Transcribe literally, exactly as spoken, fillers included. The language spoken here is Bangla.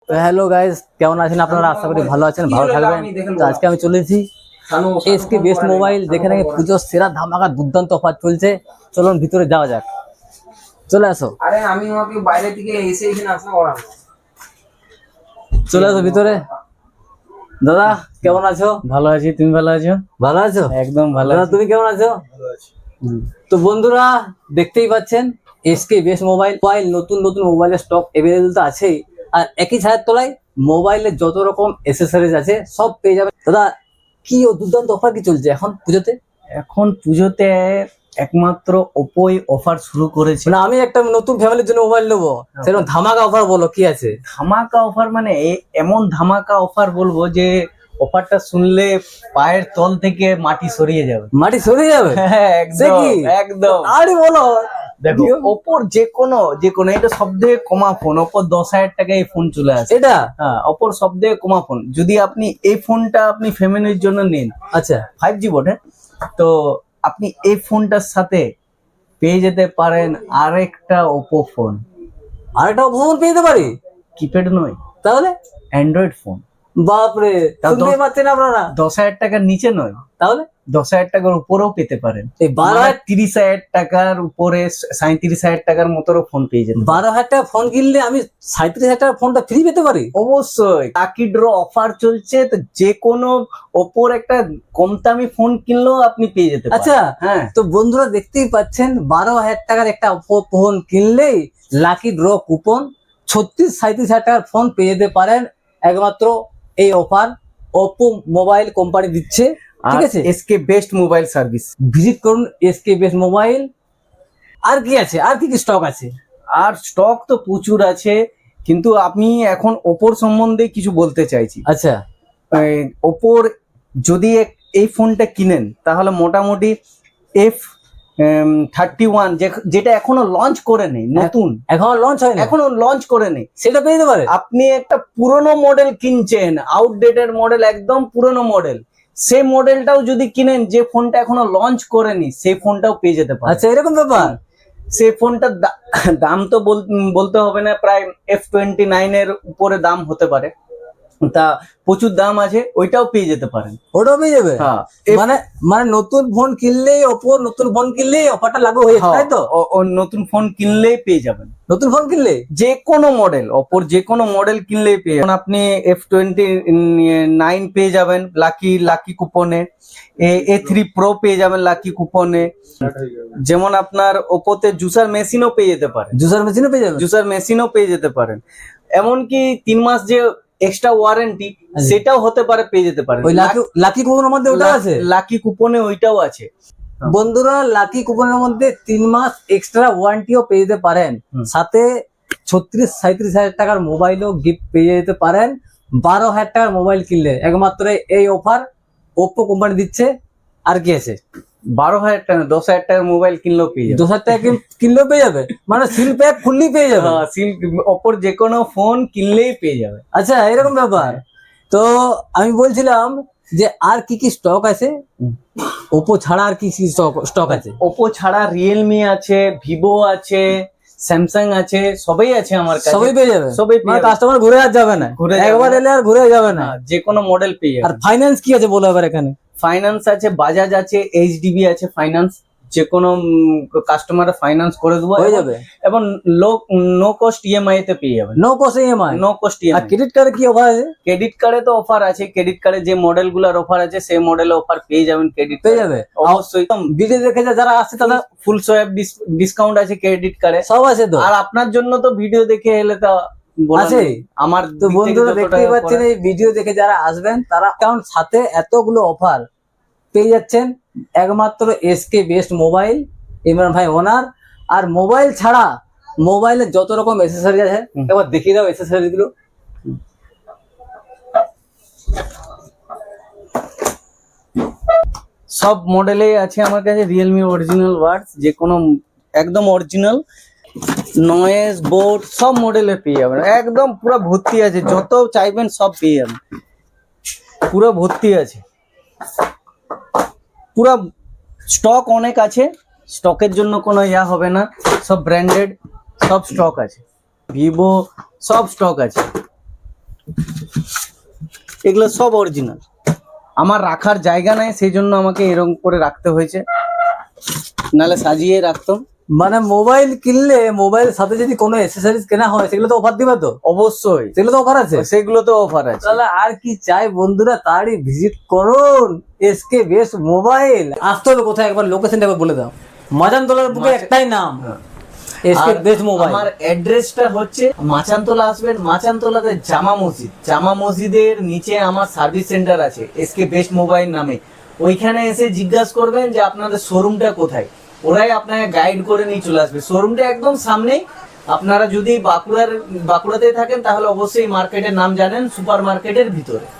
তো হ্যালো গাইস, কেমন আছেন আপনারা? আশা করি ভালো আছেন, ভালো থাকবেন। তো আজকে আমি চলেছি এসকে বেস্ট মোবাইল, যেখানে পুজোর সেরা ধামাকা দুর্দান্ত অফার চলছে। চলুন ভিতরে যাওয়া যাক, চলে আসো। আরে আমি আমাকে বাইরে থেকে এসে এখানে আসা করাবো। চলে আসো ভিতরে। দাদা কেমন আছো? ভালো আছি, তুমি ভালো আছো? ভালো আছো? একদম ভালো দাদা আছি। তুমি কেমন আছো? ভালো আছে। তো বন্ধুরা দেখতেই পাচ্ছেন, এসকে বেস্ট মোবাইল মোবাইল নতুন নতুন মোবাইলের স্টক এভেলেবল তো আছেই, আর একই ছাদের তলায় মোবাইলের যত রকম এসেসরিজ আছে সব পেয়ে যাবে। দাদা কি ও দুর্দান্ত অফার কি চলছে এখন পুজোতে? এখন পুজোতে একমাত্র ওপোই অফার শুরু করেছে। মানে আমি একটা নতুন ফ্যামিলির জন্য মোবাইল নেবো, সেরকম ধামাকা অফার বলো কি আছে? ধামাকা অফার মানে এ- এমন ধামাকা অফার বলবো যে অফারটা শুনলে পায়ের তল থেকে মাটি সরিয়ে যাবে। মাটি সরে যাবে? হ্যাঁ, সে একদম কি? একদম। আরে বলো। দেখো ওপোর যে কোনো যে কোনো এটা সব থেকে কমা ফোন, ওপোর দশ হাজার টাকায় এই ফোন চলে আসে। এটা হ্যাঁ, ওপোর সব থেকে কমা ফোন। যদি আপনি এই ফোনটা আপনি ফ্যামিলির জন্য নিন, আচ্ছা, ফাইভ জি বটে, তো আপনি এই ফোনটার সাথে পেয়ে যেতে পারেন আরেকটা ওপো ফোন। আরেকটা ফোন পেয়ে যেতে পারি? কিপ্যাড নয়, তাহলে অ্যান্ড্রয়েড ফোন। বাপরে, তাও তো- শুনতেই পাচ্ছেন আপনারা? দশ হাজার টাকার নিচে নয়, তাহলে দশ হাজার টাকার উপরেও পেতে পারেন। এই বারো মানে হাজার তিরিশ হাজার টাকার উপরে সাঁত্রিশ হাজার টাকার মতোরও ফোন পেয়ে যেতে পারেন। বারো হাজার টাকা ফোন কিনলে আমি সাঁত্রিশ হাজার টাকার ফোনটা ফ্রি পেতে পারি? অবশ্যই লাকি ড্র অফার চলছে, তো যে কোনো ওপোর একটা কম দামি ফোন কিনলেও আপনি পেয়ে যেতে পারেন। আচ্ছা, হ্যাঁ, তো বন্ধুরা দেখতেই পাচ্ছেন, বারো হাজার টাকার একটা ফো- ফোন কিনলেই লাকি ড্র কুপন ছত্রিশ সাঁত্রিশ হাজার টাকার ফোন পেয়ে যেতে পারেন। একমাত্র এই অফার ওপো মোবাইল কোম্পানি দিচ্ছে, ঠিক আছে? SK best mobile service. Visit করুন এসকে বেস্ট মোবাইল। আর কি আছে, আর কি কি স্টক আছে? আর স্টক তো প্রচুর আছে, কিন্তু আমি এখন ওপোর সম্বন্ধে কিছু বলতে চাইছি। আচ্ছা, এই ওপোর যদি এক- এই ফোনটা কিনেন তাহলে মোটামুটি এফ থার্টি ওয়ান যেটা এখনো লঞ্চ করে নেই, নতুন এখন লঞ্চ হয়নি, এখনো লঞ্চ করে নেই, সেটা পেয়ে যেতে পারে। আপনি একটা পুরনো মডেল কিনছেন, আউটডেটেড মডেল, একদম পুরনো মডেল, সেই মডেলটাও যদি কিনেন, যে ফোনটা এখনো লঞ্চ করেনি সেই ফোনটাও পেয়ে যেতে পারে। আচ্ছা, এরকম ব্যাপার? সেই ফোনটার দা- দাম তো বল- বলতে হবে না, প্রায় এফ টোয়েন্টি নাইন এর উপরে দাম হতে পারে, তা প্রচুর দাম আছে, ওইটাও পেয়ে যেতে পারেন। ওটাও পেয়ে যাবে? হ্যাঁ, মানে মানে নতুন ফোন কিনলেই, ওপো নতুন ফোন কিনলেই অফারটা লাগু হয়ে যায়, তাই তো? ও- ও নতুন ফোন কিনলেই পেয়ে যাবেন, নতুন ফোন কিনলে যে কোনো মডেল, ওপোর যে কোনো মডেল কিনলেই পেয়ে যাবেন। আপনি এফ টোয়েন্টি নাইন পেয়ে যাবেন লাকি লাকি কুপনে, এ থ্রি প্রো পেয়ে যাবেন লাকি কুপনে, যেমন আপনার ওপোতে জুসার মেশিনও পেয়ে যেতে পারেন, জুসার মেশিনও পেয়ে যাবে? জুসার মেশিনও পেয়ে যেতে পারেন। এমনকি তিন মাস যে এক্সট্রা ওয়ারেন্টি সেটাও হতে পারে, পেয়ে যেতে পারেন। ওই লাকি লাকি কুপনের মধ্যে ওটা আছে? লাকি কুপনে ওইটাও আছে। বন্ধুরা লাকি কুপনের মধ্যে তিন মাস এক্সট্রা ওয়ারেন্টিও পেয়ে যেতে পারেন, হুম। সাথে ছত্রিশ সাঁত্রিশ হাজার টাকার মোবাইলও গিফট পেয়ে যেতে পারেন। বারো হাজার টাকার মোবাইল কিনলে একমাত্র এই অফার ওপ্পো কোম্পানি দিচ্ছে। আর কি আছে? বারো হাজার টাকা, দশ হাজার টাকার মোবাইল কিনলেও পেয়ে যাবে। দশ হাজার টাকা কিন- কিনলেও পেয়ে যাবে, মানে সিল প্যাক ফুললি পেয়ে যাবে। হ্যাঁ, সিল্ক ওপোর যে কোনো ফোন কিনলেই পেয়ে যাবে। আচ্ছা, এরকম ব্যাপার। তো আমি বলছিলাম যে আর কি কি স্টক আছে ওপো ছাড়া, আর কি কি স্টক আছে? ওপো ছাড়া রিয়েলমি আছে, ভিভো আছে, স্যামসাং আছে, সবই আছে আমার কাছে। সবই পেয়ে যাবে? সবই পেয়ে মানে যাবে। কাস্টমার ঘুরে আর যাবে না, ঘুরে যাবে একবার না। এলে আর ঘুরে যাবে না। হ্যাঁ, যে কোনো মডেল পেয়ে আর যাবে। ফাইন্যান্স কি আছে বলো এবার এখানে? ফাইন্যান্স আছে, বাজাজ আছে, এইচডিবি আছে ফাইন্যান্স, যে কোনো কাস্টমার ফাইন্যান্স করে দেবো, হয়ে এবং- যাবে এবং লো নো কস্ট ইএমআই তে পেয়ে যাবেন। No cost EMI? No cost আর ইএমআই। ক্রেডিট কার্ডে কি অফার আছে? ক্রেডিট কার্ডে তো অফার আছে, ক্রেডিট কার্ডে যে মডেল গুলার অফার আছে সেই মডেলে অফার পেয়ে যাবেন ক্রেডিট পেয়ে যাবে অবশ্যই। ভিডিও দেখে যা- যারা আসছে তাদের ফুল সোয়াব ডিসকাউন্ট আছে ক্রেডিট কার্ডে। সব আছে তো? আর আপনার জন্য তো ভিডিও দেখে এলে তো বলার আছে? নেই। আমার তো দিক থেকে বন্ধুরা যত দেখতেই টাকা পাচ্ছেন, করা- এই ভিডিও দেখে যারা আসবেন তারা কারণ সাথে এতগুলো অফার পেয়ে যাচ্ছেন একমাত্র এসকে বেস্ট মোবাইল, ইমরান ভাই ওনার। আর মোবাইল ছাড়া মোবাইলের যত রকম এসেসরি আছে হুম। একবার দেখিয়ে দাও এসেসরি গুলো। সব মডেলেই আছে আমার কাছে রিয়েলমি অরিজিনাল ওয়ার্ডস, যে কোনো একদম অরিজিনাল নয়েজ বোর্ড সব মডেলে পেয়ে যাবেন, একদম পুরো ভর্তি আছে, যত চাইবেন সব পেয়ে যাবেন, পুরো ভর্তি আছে, পুরো স্টক অনেক আছে, স্টকের জন্য কোনো ইয়া হবে না, সব ব্র্যান্ডেড সব স্টক আছে, ভিভো সব স্টক আছে। এগুলো সব অরিজিনাল। আমার রাখার জায়গা নাই, সেই জন্য আমাকে এরকম করে রাখতে হয়েছে, নাহলে সাজিয়ে রাখতাম। মানে মোবাইল কিনলে মোবাইলের সাথে যদি কোনো অ্যাক্সেসরিজ কেনা হয় সেগুলো তো অফার দিবে তো? অবশ্যই সেগুলো তো অফার আছে। সেগুলো তো অফার আছে। তাহলে আর কি চাই বন্ধুরা, তারই ভিজিট করুন এসকে বেস্ট মোবাইল। আসতে হবে কোথায় একবার লোকেশনটা একবার বলে দাও। মাজানতলার বুকে মাচান- একটাই নাম, এসকে আর বেস্ট মোবাইল। আমার অ্যাড্রেসটা হচ্ছে মাচানতলা আসবেন, মাচানতলাতে জামা মসজিদ, জামা মসজিদের নিচে আমার সার্ভিস সেন্টার আছে এসকে বেস্ট মোবাইল নামে। ওইখানে এসে জিজ্ঞাসা করবেন যে আপনাদের শোরুমটা কোথায়, ওরাই আপনাকে গাইড করে নিয়ে চলে আসবে। শোরুমটা একদম সামনেই। আপনারা যদি বাঁকুড়ার বাঁকুড়াতে থাকেন তাহলে অবশ্যই মার্কেটের নাম জানেন, সুপার মার্কেটের ভিতরে।